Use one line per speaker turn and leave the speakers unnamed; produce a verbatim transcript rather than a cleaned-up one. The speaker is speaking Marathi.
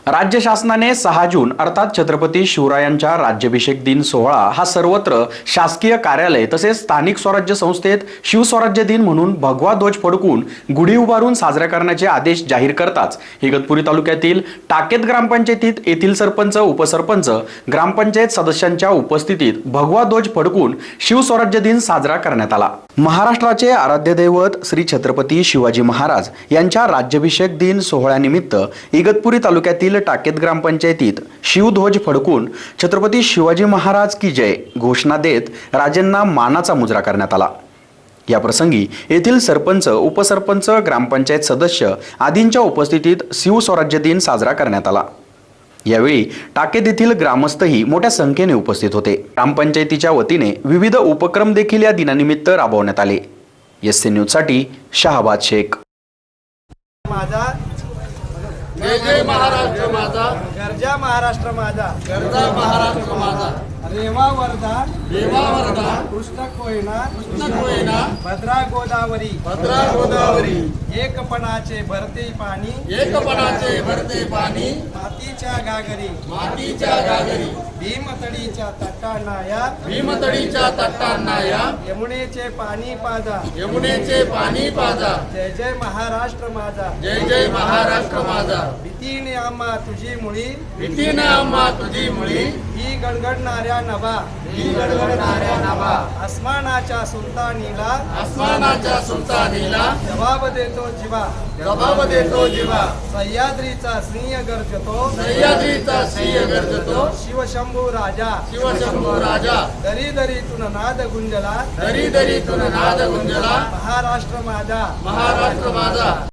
राज्य शासनाने सहा जून अर्थात छत्रपती शिवरायांच्या राज्याभिषेक दिन सोहळा हा सर्वत्र शासकीय कार्यालय तसेच स्थानिक स्वराज्य संस्थेत शिवस्वराज्य दिन म्हणून भगवा ध्वज फडकून गुढी उभारून साजरा करण्याचे आदेश जाहीर करताच इगतपुरी तालुक्यातील टाकेत ग्रामपंचायतीत येथील सरपंच, उपसरपंच, ग्रामपंचायत सदस्यांच्या उपस्थितीत भगवा ध्वज फडकून शिवस्वराज्य दिन साजरा करण्यात आला। महाराष्ट्राचे आराध्य दैवत श्री छत्रपती शिवाजी महाराज यांच्या राज्याभिषेक दिन सोहळ्यानिमित्त इगतपुरी तालुक्यातील टाकेत ग्रामपंचायतीत शिवध्वज फडकून छत्रपती शिवाजी महाराज की जय घोषणा देत राजेंना मानाचा मुजरा करण्यात आला। या प्रसंगी येथील सरपंच, उपसरपंच, ग्रामपंचायत सदस्य आदींच्या उपस्थितीत शिवस्वराज्य दिन साजरा करण्यात आला। यावेळी टाकेत येथील ग्रामस्थही मोठ्या संख्येने उपस्थित होते। ग्रामपंचायतीच्या वतीने विविध उपक्रम देखील या दिनानिमित्त राबवण्यात आले। एस सी न्यूज साठी शहाबाद शेख।
माझा
जय जय महाराष्ट्र माझा,
गरजा महाराष्ट्र माझा,
गरजा महाराष्ट्र माझा,
रेवा वर्धा,
देवा वर्धा,
कृष्ण कोयना,
कृष्ण कोयना,
भद्रा गोदावरी,
भद्रा गोदावरी,
एकपणाचे भरते पाणी,
एकपणाचे भरते पाणी,
मातीच्या घागरी,
मातीच्या घागरी,
भीमतडीच्या तटांना या,
भीमतडीच्या तटांना या,
यमुनेचे पाणी पाजा,
यमुनेचे पाणी पाजा,
जय जय महाराष्ट्र माझा,
जय जय महाराष्ट्र माझा,
भीतीने आम्हा तुझी मुळी,
भीतीने आम्हा तुझी मुळी,
ही गडगडणाऱ्या नभा,
ही गडगडणाऱ्या नभा,
आसमानाच्या सुलतानीला,
आसमानाच्या सुलतानीला,
जबाब देतो जीवा,
जबाब देतो जीवा,
सह्याद्रीचा सिंह गर्जतो,
सह्याद्रीचा सिंह गर्जतो,
शिवशंभू राजा,
शिवशंभू राजा,
दरी दरीतून नाद गुंजला,
दरी दरीतून नाद गुंजला,
महाराष्ट्र माझा,
महाराष्ट्र माझा।